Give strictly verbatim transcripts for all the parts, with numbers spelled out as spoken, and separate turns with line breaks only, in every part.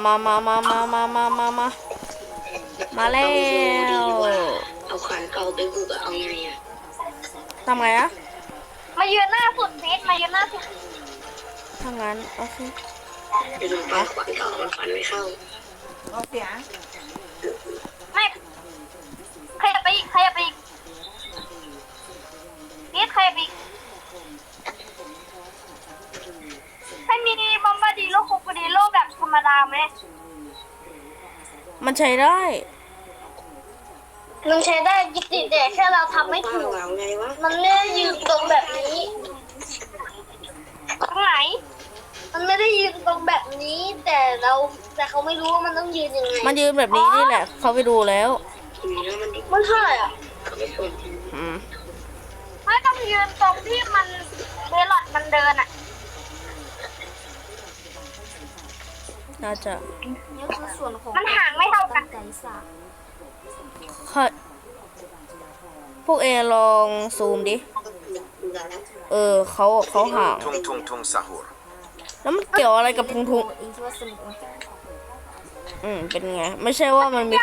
มามามามามามามามามาแล้ว
เอาขานเก่าไปบุกเอาไงอะ
ทำไงอะ
มายืนหน้าสุดนิดมายืนหน้าสุด
ทำงั้นโอเค
เดี๋ยวไปขวานเก่ามันฟันไม่เข้า
โอเคไม่ใครไปอีกใครไปอีกนิดใครไปอีกให้มีบอมบาดีโลคุกดีโลแบบธรรมดาไหม
มันใช้ได้
มันใช้ได้จิตติแต่แค่เราทำไม่ถูกมันไม่ได้ยืนตรงแบบนี้ตรงไหนมันไม่ได้ยืนตรงแบบนี้แต่เราแต่เขาไม่รู้ว่ามันต้องยืนยังไง
มันยืนแบบนี้นี่แหละเขาไปดูแล้ว
มันเท่าไหร่อ่ะ
อืม
ไม่ต้องยืนตรงที่มันเบลล์มันเดินอ่ะ
น่าจะ
นี่คือส่วนของ
มันห่างไม่เท่ากัน
ค่ะพวกเอลองซูมดิเออเขาเขาห่าง
ทุงทุงทุงซาฮูร
แล้วมันเกี่ยวอะไรกับทุงทุงอืมเป็นไงไม่ใช่ว่ามันมี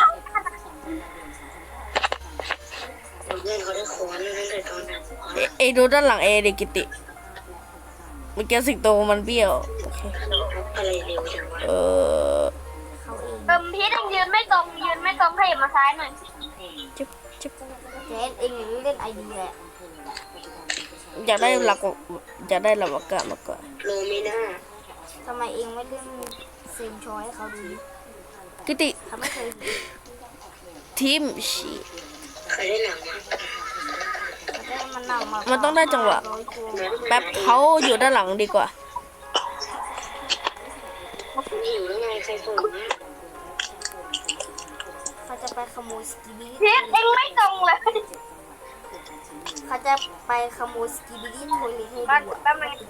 เอดูด้านหลังเอเดกิติเมื่อกี้สิงโตมันเบี้ยวโอเคเออ
เติมพีทยังยืนไม่ตรงยืนไม่ตรงขยับมาซ้ายหน่อย
จิ๊บจิ๊บ
เจนเองเล่นไอเดีย
อยากได้หลักอยากได้หลักอากาศมากกว่า
โลมิน่า
ทำไมเองไม่เล่นเซมชอยให้เขาดี
กิติ
เขาไม่เคย
ทีมชี
เคยได้หนัง
มา
มันต้องได้จังหวะแป๊บเขาอยู่ด้านหลังดีกว่า
หิวแล้วไงใครส่ง
เขาจะไปขโมยสกีบิ
พีทเองไม่ตรงเลย
เขาจะไปขโมยสกีบิลี่โทยเลยให้ดู
แป๊บนึง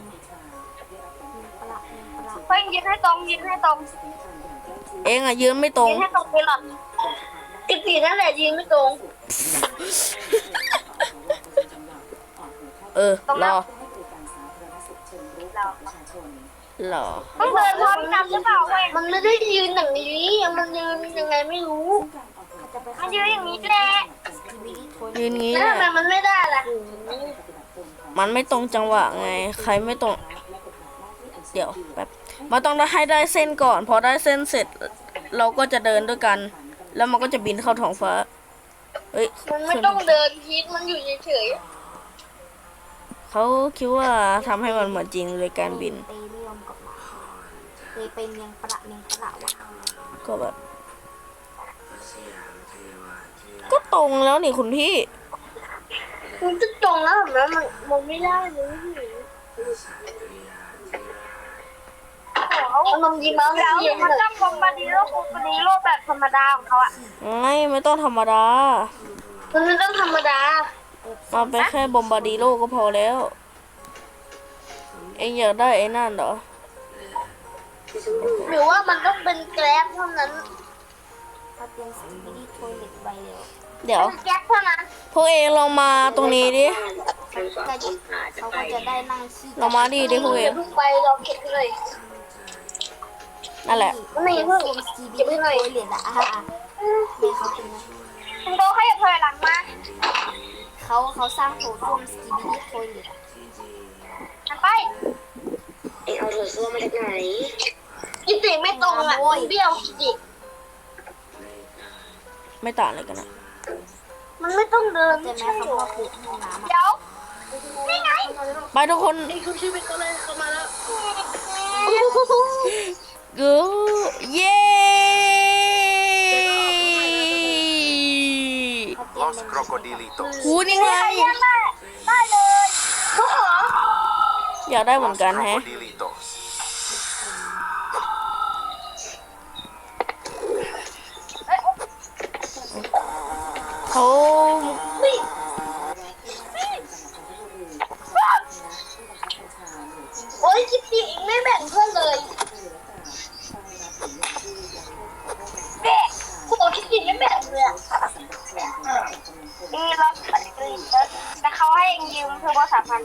เพิ่งยืนให้ตรงยืนให้ตรง
เองอะยืนไม่ตรง
ยืนให้ตรงไปหรอกกิตินั่นแหละยืนไม่ตรง
เออรอรอ
ต้องเดินพร้อมกันหรือเปล่าเว้ยมันไม่ได้ยืนอย่างนี้มันยืนยังไงไม่รู้มันยืนอย่างนี้แหละ
ยืนงี้
แล้
แหละ
วทำไมมันไม่ได้ล่ะ
มันไม่ตรงจังหวะไงใครไม่ตรงเดี๋ยวแป๊บมันต้องให้ได้เส้นก่อนพอได้เส้นเสร็จเราก็จะเดินด้วยกันแล้วมันก็จะบินเข้าท้องฟ้าเฮ้ย
มันไม่ต้องเดินพีทมันอยู่เฉย
ๆเขาคิดว่าทำให้มันเหมือนจริงเลยการบิน
เคยเป็นยังประยังประวะ
ก็แบบก็ตรงแล้วนี่คุณพี่
มันจะตรงแล้วแบบนั้นมันมันไม่ได้เลยมันยิงมาแล้วมันต้องบอมบาดิโลคุกดีโลแบบธรรมดาของเขาอะ
ไม่ไม่ต้องธรรมดา
มันไม่ต้องธรรมดา
มาไปแค่บอมบาดิโลก็พอแล้วเอ็งอยากได้ไอ้นั่นเหรอ
หรือว่ามันต้องเป็นแกร็บเท่านั้น
ถ้าเป็นสกีบิลี่โทยเล็ตใบเดียว
เดี๋ยว
แกร็บเท่านั้น
พวกเองลองมาตรงนี้ดิ
เขาก็จะได้นั่งขี้
ลองมาดิดิพวกเอง
ไปลองเก็บเลย
นั่นแหละ
ไม่เพิ่ง
สกีบิลี่โทยเล็ตอะแม่เขาเป็น
คุณโตให้ถอยหลังมา
เขาเขาสร้างโถส้วมสกีบิลี่โทยเล็ต
ไป
เอ็งเอาโถส้วมมาจากไหน
กิติไม่ตรงอ่ะเบี้ยวกิติ
ไม่ต่างอะไรกันนะ
มันไม่ต้องเดิน
แต่แม่เขาบอกปลูกห้องน้ำ
เดี๋ยวนี่ไง
ไปทุกคน
ไอ้คุณชีวิตก็เลยเข้ามาแล้ว
กูเย้
ลอสครอโคดิลิโต
หูนี่ไง
ได้เลยทุกคน
อยากได้เหมือนกันแฮะเขา
โอ้ยกิติไม่แบ่งเพื่อนเลยเด็กกูบอกกิติไม่แบ่งเลยนี่เราแต่เขาให้ยืมเทอร์โบสามพัน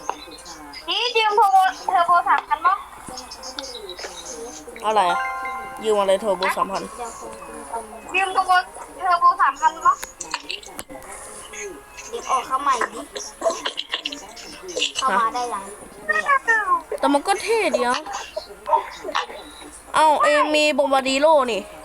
นี่ยืมเทอร์โบเทอร์โบสามพันมั้ง
อะไรยืมอะไรเทอร์โบสามพัน
ยังคงตึงๆ
ยืมโทรโบเทอร์โบสามพันมั้ง
เด็กออกเข้าใหม่ดิ เข้ามาได้ยังเลยอะ
แต่มันก็เท่ดีนะเอ้าเองมีบอมบาร์ดิโลนี่
เ